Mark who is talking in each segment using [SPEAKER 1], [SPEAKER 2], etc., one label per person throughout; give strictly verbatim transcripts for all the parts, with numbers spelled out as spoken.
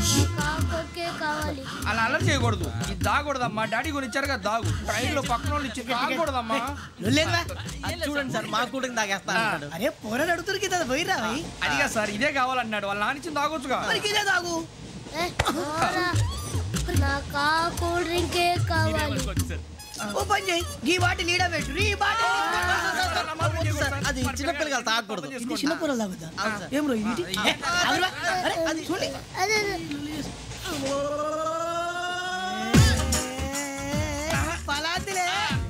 [SPEAKER 1] అలా అల్లరి చేయకూడదు. ఇది దాగకూడదమ్మా. డాడీ కొని ఇచ్చారు కదా దాగు. ట్రైన్ లో పక్కన వాళ్ళు ఇచ్చి దాగకూడదమ్మా.
[SPEAKER 2] చూడండి సార్ మా కూడా తాగేస్తా.
[SPEAKER 3] అరే పోరాడు అడుగుతారు కదా పోయిరా.
[SPEAKER 1] అదిగా సార్ ఇదే కావాలన్నాడు. వాళ్ళ నాన్న ఇచ్చింది తాగొచ్చుగా.
[SPEAKER 3] ఇదే తాగు.
[SPEAKER 4] నాకు కూల్ డ్రింకే కావాలి.
[SPEAKER 3] ఓ పని చేయి, ఈ బాటిల్ లీడ పెట్టు. ఈ బాటిల్
[SPEAKER 2] అది చిన్నపిల్లలు తాగకూడదు.
[SPEAKER 3] చిన్న పొరలు తాగుతా. ఏం రో ఇది? అరే అది చూడండి.
[SPEAKER 4] అదే
[SPEAKER 3] పలాతిలే.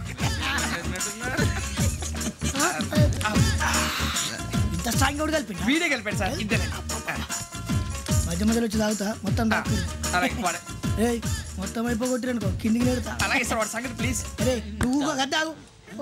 [SPEAKER 3] ఇంత స్ట్రాంగ్ కూడా కలిపి
[SPEAKER 1] వీడే కలిపాడు సార్. ఇంతనే
[SPEAKER 3] మధ్య మధ్యలో వచ్చి తాగుతా మొత్తం తాగు. ఏయ్ మొత్తం అయిపోగొట్టిరనుకో కిందికి నేడుతా.
[SPEAKER 1] అలాగే సార్ వాడి సంగతి ప్లీజ్.
[SPEAKER 3] అరే నువ్వు కదా తాగు.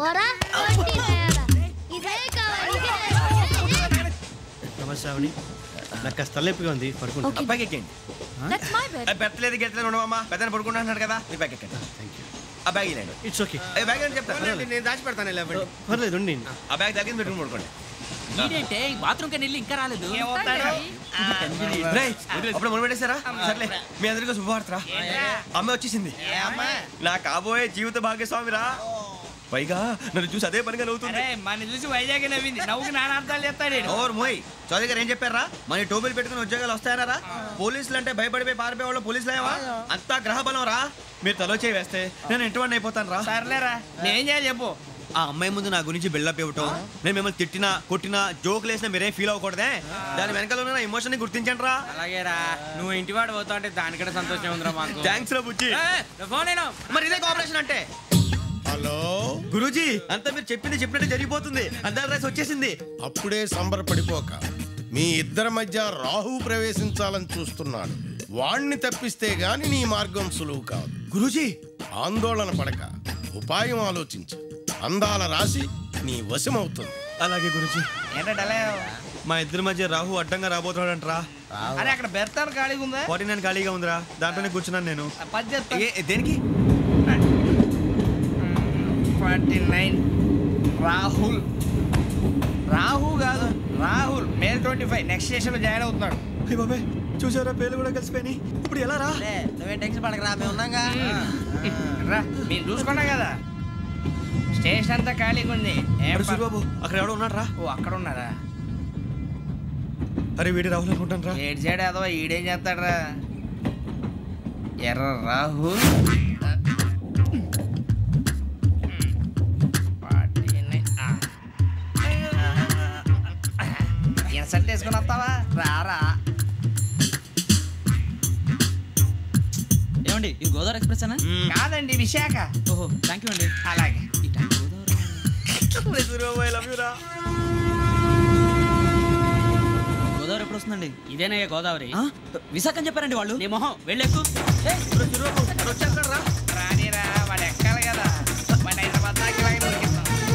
[SPEAKER 4] ఇదే కావాలి.
[SPEAKER 2] నమస్కారం. నాకు కాస్త తలెప్పిగా ఉంది, పడుకుంటా.
[SPEAKER 5] అబ్బాయికి ఎక్కండి. పెట్టలేదు గెట్టలేదు ఉండవమ్మా. పెద్దని పడుకుంటున్నాడు కదా, మీ బ్యాగ్ ఎక్కండి. ఆ బ్యాగ్ ఇలాండి.
[SPEAKER 2] It's okay.
[SPEAKER 5] బ్యాగ్ అని చెప్తాను, నేను దాచి పెడతాను.
[SPEAKER 2] పర్లేదు ఉండి.
[SPEAKER 5] ఆ బ్యాగ్ తగ్గింది పెట్టుకుని పడుకోండి.
[SPEAKER 6] బాత్రూమ్ కని ఇంకా రాలేదు.
[SPEAKER 5] అప్పుడు మొదలు పెట్టేశారా? సర్లే మీ అందరికీ శుభవార్తరా. అమ్మ వచ్చేసింది. నా కాబోయే జీవిత భాగ్యస్వామిరా. పైగా నన్ను చూసి అదే పనిగా నవ్వుతుంది.
[SPEAKER 1] మన చూసి వైజాగ్ నవ్వింది. నవ్వుకి నాన్న అర్థాలు చెప్తాడు.
[SPEAKER 5] ఓర్ మోయ్ చౌదరి గారు ఏం చెప్పారా? మన టోబీలు పెట్టుకుని ఉద్యోగాలు వస్తాయనరా? పోలీసులు అంటే భయపడిపోయి పారిపోయే వాళ్ళు పోలీసులు అయ్యావా? అంతా గ్రహ బలం రా. మీరు తలో చేయి వేస్తే నేను ఇంటివాడిని అయిపోతాను రా.
[SPEAKER 1] సర్లేరా, నేనేం చేయాలి చెప్పు.
[SPEAKER 5] ఆ అమ్మాయి ముందు నా గురించి బిల్డప్ ఇవ్వటం, నేను మిమ్మల్ని తిట్టినా కొట్టినా జోకులు వేసినా మీరేం ఫీల్ అవ్వకూడదే. దాని వెనకాల ఉన్న ఎమోషన్ ని గుర్తించండి రా.
[SPEAKER 6] అలాగేరా, నువ్వు ఇంటి వాడు పోతా అంటే దానికంటే సంతోషం ఉందిరా మాకు.
[SPEAKER 5] థ్యాంక్స్ రా బుజ్జి.
[SPEAKER 6] ఫోన్ అయినా
[SPEAKER 5] మరి ఇదే కోఆపరేషన్ అంటే.
[SPEAKER 7] హలో
[SPEAKER 5] గురూజీ, అంతా మీరు చెప్పింది చెప్పినట్టు జరిగిపోతుంది. అందాల రైస్ వచ్చేసింది.
[SPEAKER 7] అప్పుడే సంబరపడిపోక. మీ ఇద్దరి మధ్య రాహు ప్రవేశించాలని చూస్తున్నాడు. వాణ్ణి తప్పిస్తే గాని నీ మార్గం సులువు కాదు.
[SPEAKER 5] గురూజీ
[SPEAKER 7] ఆందోళన పడక, ఉపాయం ఆలోచించు. అందాల రాశి నీ వశమవుతుంది.
[SPEAKER 5] అలాగే గురూజీ.
[SPEAKER 1] ఏంటంటే
[SPEAKER 5] మా ఇద్దరి మధ్య రాహు అడ్డంగా రాబోతున్నాడు అంటరా.
[SPEAKER 1] అరే అక్కడ బెర్తాను ఖాళీగా ఉందా?
[SPEAKER 5] ఫార్టీ నైన్ ఖాళీగా ఉందిరా, దాంట్లోనే కూర్చున్నాను నేను.
[SPEAKER 1] దేనికి? Forty nine Rahul. రాహు కాదు Rahul. May twenty five next station లో జాయిన్ అవుతున్నాడు.
[SPEAKER 5] బాబాయ్ చూసారా, పేర్లు కూడా కలిసిపోయినాయి. ఇప్పుడు ఎలా రా?
[SPEAKER 2] నువ్వే టెన్షన్ పడకరా, మేము ఉన్నాగా.
[SPEAKER 1] రా, మీరు చూసుకున్నా కదా స్టేషన్ అంతా ఖాళీగా ఉంది.
[SPEAKER 5] బాబు అక్కడ ఎవడో ఉన్నాడు రా.
[SPEAKER 1] ఓ అక్కడ ఉన్నారా?
[SPEAKER 5] అరే వీడి రాహుల్ అనుకుంటాను రా.
[SPEAKER 1] ఏడు సైడ్ అదో ఈడేం చేస్తాడు రా. ఎర్ర రాహు. సెట్ వేసుకుని వస్తావా? రారా.
[SPEAKER 6] ఏమండి ఇది గోదావరి ఎక్స్ప్రెస్ అనా?
[SPEAKER 1] కాదండి, విశాఖ.
[SPEAKER 6] ఓహో థ్యాంక్ యూ అండి.
[SPEAKER 1] అలాగే.
[SPEAKER 6] గోదావరి ఎప్పుడు వస్తుందండి? ఇదేనయ్యా గోదావరి. విశాఖ అని చెప్పారండి వాళ్ళు. నీ మొహం వెళ్ళెక్కు.
[SPEAKER 1] రానిరా, వాడు ఎక్కాలి కదా. వాడు హైదరాబాద్ దాకా ఇలాగే దొరికిస్తాం.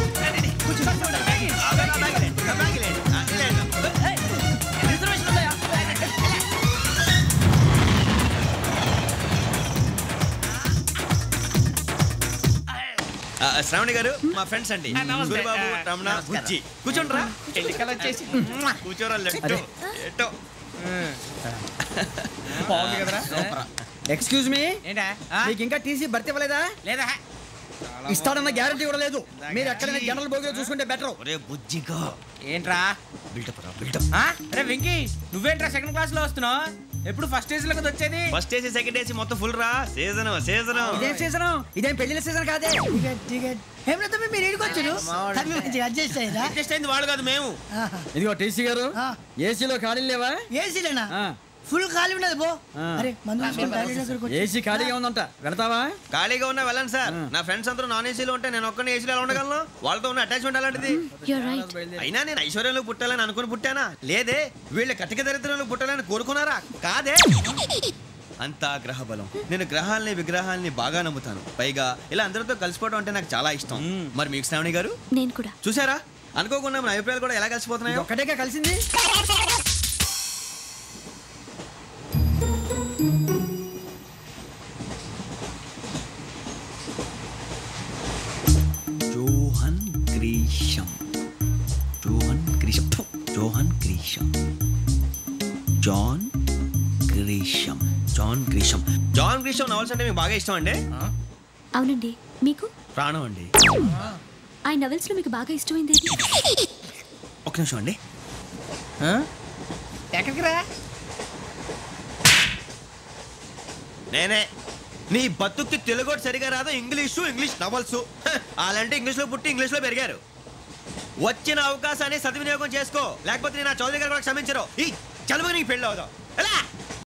[SPEAKER 5] శ్రావణి గారు మా ఫ్రెండ్స్ అండి. గురుబాబు, రమణ, బుజ్జి. కూర్చోండి రా.
[SPEAKER 1] ఎన్నికలు వచ్చేసి
[SPEAKER 5] కూర్చోరా. లెట్టో ఎట్టో
[SPEAKER 1] బాగుంది కదరా.
[SPEAKER 2] ఎక్స్క్యూజ్ మీ,
[SPEAKER 1] ఏంటా
[SPEAKER 2] మీకు ఇంకా టీసీ భర్తీ ఇవ్వలేదా?
[SPEAKER 1] లేదా?
[SPEAKER 2] ఇస్తాడన్న గ్యారంటీ కూడా లేదు. మీరు ఎక్కడైనా జనరల్ బోగిలో చూసుకుంటే బెటర్.
[SPEAKER 5] ఒరే బుజ్జిగా
[SPEAKER 1] ఏంట్రా
[SPEAKER 5] బిల్డప్ రా, బిల్డప్.
[SPEAKER 1] అరే వెంకీ, నువ్వేంట్రా సెకండ్ క్లాస్ లో వస్తున్నావు? ఎప్పుడు ఫస్ట్ ఏసీ లోకి వచ్చేది?
[SPEAKER 5] ఫస్ట్ ఏసీ సెకండ్ ఏసీ మొత్తం ఫుల్ రా. సీజన్ సీజన్
[SPEAKER 2] ఇదేం సీజన్? ఇదేం పెళ్లిన సీజన్ కాదే.
[SPEAKER 3] టికెట్ టికెట్ ఏమిటో మీరు ఏడుకొచ్చారు. అడ్జస్ట్ అయ్యారా?
[SPEAKER 5] అడ్జస్ట్ అయింది వాళ్ళు కాదు, మేము.
[SPEAKER 2] ఇదిగో టీసీ గారు, ఏసీలో ఖాళీలు లేవా?
[SPEAKER 3] ఏసీలేనా? ఫుల్ ఖాళీ ఉండదు పో. అరే
[SPEAKER 2] ఏసీ ఖాళీగా ఉందంట, వెళతావా?
[SPEAKER 5] ఖాళీగా ఉన్నా వెళ్ళండి సార్. నా ఫ్రెండ్స్ అందరూ నాన్ ఏసీలో ఉంటే నేను ఒక్కనే ఏసీలో ఎలా ఉండగలను? వాళ్ళతో ఉన్న అటాచ్మెంట్ అలాంటిది. అయినా నేను ఐశ్వర్యంలో పుట్టాలని అనుకుని పుట్టానా? లేదే. వీళ్ళ కటిక దరిద్రంలో పుట్టాలని కోరుకున్నారా? కాదే. అంతా గ్రహ బలం. నేను గ్రహాలని విగ్రహాలని బాగా నమ్ముతాను. పైగా ఇలా అందరితో కలిసిపోవడం అంటే నాకు చాలా ఇష్టం. మరి మీకు శ్రావణి గారు?
[SPEAKER 4] నేను కూడా.
[SPEAKER 5] చూసారా, అనుకోకుండా మన అభిప్రాయాలు కూడా ఎలా కలిసిపోతున్నాయి.
[SPEAKER 2] ఒక్కటేగా కలిసింది.
[SPEAKER 5] Johan Grisham, Johan Grisham, Johan Grisham, John Grisham John Grisham John Grisham novels అంటే మీకు బాగా ఇష్టం అండి?
[SPEAKER 8] అవునండి. మీకు?
[SPEAKER 5] ప్రాణం అండి.
[SPEAKER 8] ఆ నవెల్స్ లో మీకు బాగా ఇష్టమైంది ఏది?
[SPEAKER 5] ఒక నిమిషం అండి.
[SPEAKER 1] ఎక్కడికి రా?
[SPEAKER 5] నేనే. నీ బతుక్కి తెలుగు సరిగా రాదు, ఇంగ్లీషు ఇంగ్లీష్ నవల్స్. అలాంటి ఇంగ్లీష్లో పుట్టి ఇంగ్లీష్లో పెరిగారు. వచ్చిన అవకాశాన్ని సద్వినియోగం చేసుకో, లేకపోతే నేను నా చౌదరి గారు కూడా క్షమించరు. ఈ చదువు నీకు పెళ్ళి అవుదాం. ఎలా?